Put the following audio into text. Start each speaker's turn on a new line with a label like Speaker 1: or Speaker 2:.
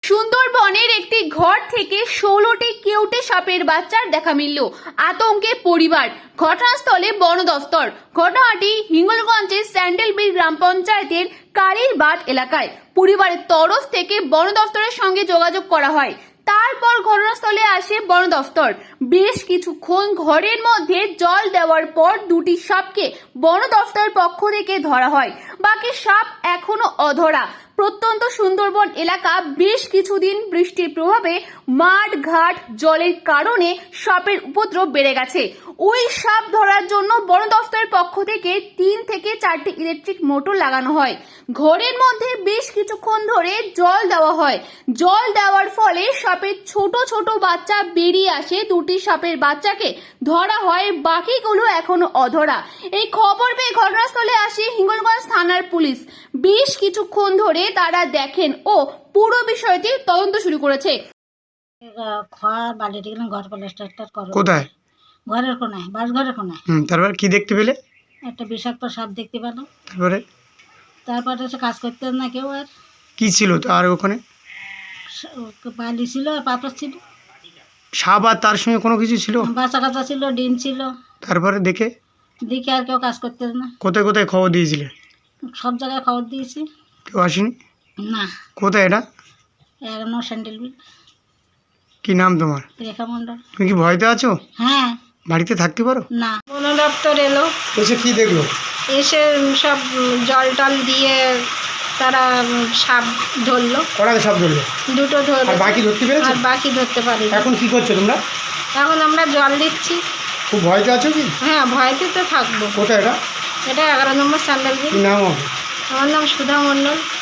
Speaker 1: সুন্দরবনের একটি ঘর থেকে 16টি কেউটে সাপের বাচ্চার দেখা মিলল। আতঙ্কে পরিবার, ঘটনাস্থলে বন দফতর। ঘটনাটি হিঙ্গলগঞ্জের স্যান্ডেলবিল গ্রাম পঞ্চায়েতের কালীরবাট এলাকায়। পরিবারের তরফ থেকে বন দফতরের সঙ্গে যোগাযোগ করা হয়। তারপর ঘটনাস্থলে আসে বন দফতর। বেশ কিছুক্ষণ ঘরের মধ্যে জল দেওয়ার পর দুটি সাপকে বন দফতরের পক্ষ থেকে ধরা হয়। বাকি সাপ এখনো অধরা। প্রত্যন্ত সুন্দরবন এলাকা বেশ কিছুদিন বৃষ্টির প্রভাবে মাঠ ঘাট জলের কারণে সাপের উপদ্রব বেড়ে গেছে। ওই সাপ ধরার জন্য বন দফতরের পক্ষ থেকে 3 থেকে 4টি ইলেকট্রিক মোটর লাগানো হয়। ঘরের মধ্যে বেশ কিছুক্ষণ ধরে জল দেওয়া হয়। জল দেওয়ার ফলে সাপের ছোট ছোট বাচ্চা বেরিয়ে আসে। দুটি সাপের বাচ্চাকে ধরা হয়, বাকিগুলো এখনো অধরা। এই খবর পেয়ে ঘটনাস্থলে আসে হিঙ্গলগঞ্জ থানার পুলিশ। বেশ কিছুক্ষণ ধরে তারা দেখেন ও পুরো বিষয়টি তদন্ত শুরু করেছে।
Speaker 2: খড় বালিটি ঘর প্লাস্টার করো
Speaker 3: কোথায়?
Speaker 2: ঘরের কোনায়, বাস ঘরের কোনায়।
Speaker 3: তারপর কি দেখতে পেলে?
Speaker 2: একটা বিষাক্ত সাপ দেখতে পেলাম।
Speaker 3: তারপরে
Speaker 2: এসে কাজ করতে না কেউ। আর
Speaker 3: কি ছিল আর ওখানে?
Speaker 2: বালি ছিল আর পাথর ছিল।
Speaker 3: সাপ আর তার সঙ্গে কোনো কিছু ছিল?
Speaker 2: বাচ্চা কাচ্চা ছিল, ডিম ছিল।
Speaker 3: তারপরে দেখে
Speaker 2: আর কেউ কাজ করতে না।
Speaker 3: কোথায় কোথায় খবর দিয়েছিলে?
Speaker 2: সব জায়গায় খবর দিয়েছি,
Speaker 3: কেউ আসেনি?
Speaker 2: না।
Speaker 3: কোথায় এটা?
Speaker 2: এখনো স্যান্ডেলবিল।
Speaker 3: কি নাম তোমার?
Speaker 2: রেখা মণ্ডল।
Speaker 3: তুমি কি ভয়তে আছো?
Speaker 2: হ্যাঁ।
Speaker 3: বাড়িতে থাকতে পারো
Speaker 2: না। বন দপ্তর এলো,
Speaker 3: এসে কি দেখলো?
Speaker 2: এসে সব জল টল দিয়ে তারা সাপ ধরলো।
Speaker 3: কটা সাপ ধরলো?
Speaker 2: দুটো ধরলো।
Speaker 3: আর বাকি ধরতে পেরেছো?
Speaker 2: আর বাকি ধরতে পারি।
Speaker 3: এখন কি করছো তোমরা?
Speaker 2: এখন আমরা জল দিচ্ছি।
Speaker 3: খুব ভয়তে আছো কি?
Speaker 2: হ্যাঁ, ভয়তে তো থাকবো।
Speaker 3: কোথায় এটা?
Speaker 2: এটা 11 নম্বর স্যান্ডেলবিল।
Speaker 3: কি নাম হবে?
Speaker 2: আমার নাম সুধা মণ্ডল।